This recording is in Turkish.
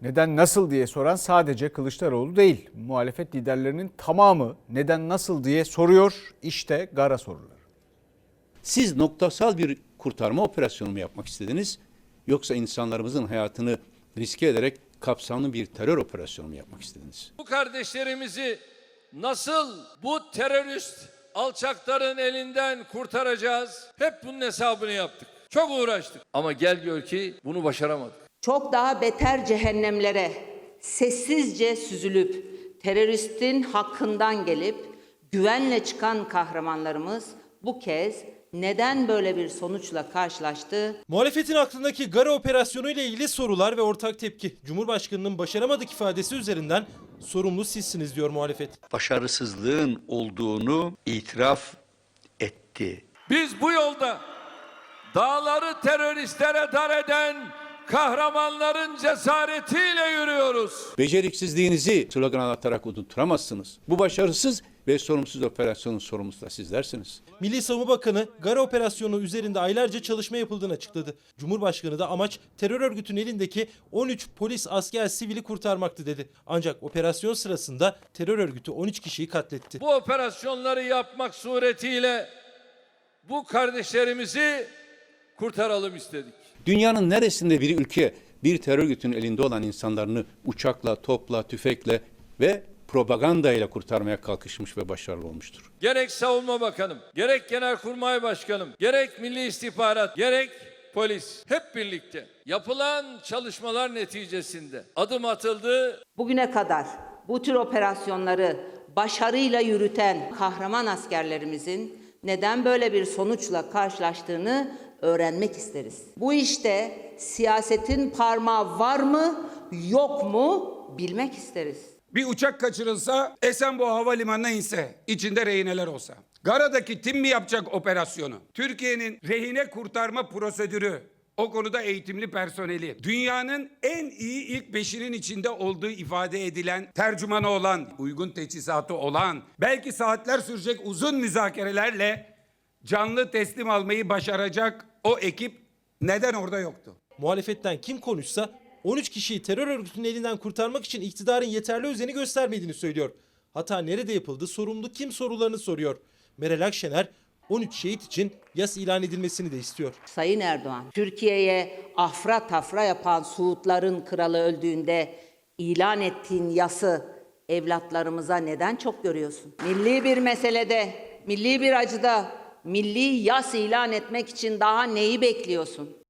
Neden nasıl diye soran sadece Kılıçdaroğlu değil. Muhalefet liderlerinin tamamı neden nasıl diye soruyor. İşte Gara soruları. Siz noktasal bir kurtarma operasyonu mu yapmak istediniz? Yoksa insanlarımızın hayatını riske ederek kapsamlı bir terör operasyonu mu yapmak istediniz? Bu kardeşlerimizi nasıl bu terörist alçakların elinden kurtaracağız? Hep bunun hesabını yaptık. Çok uğraştık. Ama gel gör ki bunu başaramadık. Çok daha beter cehennemlere sessizce süzülüp teröristin hakkından gelip güvenle çıkan kahramanlarımız bu kez neden böyle bir sonuçla karşılaştı? Muhalefetin aklındaki Gara operasyonu ile ilgili sorular ve ortak tepki. Cumhurbaşkanının başaramadık ifadesi üzerinden sorumlu sizsiniz diyor muhalefet. Başarısızlığın olduğunu itiraf etti. Biz bu yolda dağları teröristlere dar eden kahramanların cesaretiyle yürüyoruz. Beceriksizliğinizi slogan atarak unutturamazsınız. Bu başarısız ve sorumsuz operasyonun sorumlusu da sizlersiniz. Milli Savunma Bakanı Gara operasyonu üzerinde aylarca çalışma yapıldığını açıkladı. Cumhurbaşkanı da amaç terör örgütünün elindeki 13 polis, asker, sivili kurtarmaktı dedi. Ancak operasyon sırasında terör örgütü 13 kişiyi katletti. Bu operasyonları yapmak suretiyle bu kardeşlerimizi kurtaralım istedik. Dünyanın neresinde bir ülke bir terör örgütünün elinde olan insanlarını uçakla, topla, tüfekle ve propagandayla kurtarmaya kalkışmış ve başarılı olmuştur? Gerek Savunma Bakanım, gerek Genelkurmay Başkanım, gerek Milli İstihbarat, gerek polis hep birlikte yapılan çalışmalar neticesinde adım atıldı. Bugüne kadar bu tür operasyonları başarıyla yürüten kahraman askerlerimizin neden böyle bir sonuçla karşılaştığını öğrenmek isteriz. Bu işte siyasetin parmağı var mı, yok mu bilmek isteriz. Bir uçak kaçırılsa, Esenboğa Havalimanı'na inse, içinde rehineler olsa. Gara'daki tim mi yapacak operasyonu? Türkiye'nin rehine kurtarma prosedürü, o konuda eğitimli personeli, dünyanın en iyi ilk 5'inin içinde olduğu ifade edilen, tercümanı olan, uygun teçhizatı olan, belki saatler sürecek uzun müzakerelerle canlı teslim almayı başaracak o ekip neden orada yoktu? Muhalefetten kim konuşsa 13 kişiyi terör örgütünün elinden kurtarmak için iktidarın yeterli özeni göstermediğini söylüyor. Hata nerede yapıldı, sorumlu kim sorularını soruyor. Meral Akşener 13 şehit için yas ilan edilmesini de istiyor. Sayın Erdoğan, Türkiye'ye afra tafra yapan Suudların kralı öldüğünde ilan ettiğin yası evlatlarımıza neden çok görüyorsun? Milli bir meselede, milli bir acıda milli yas ilan etmek için daha neyi bekliyorsun?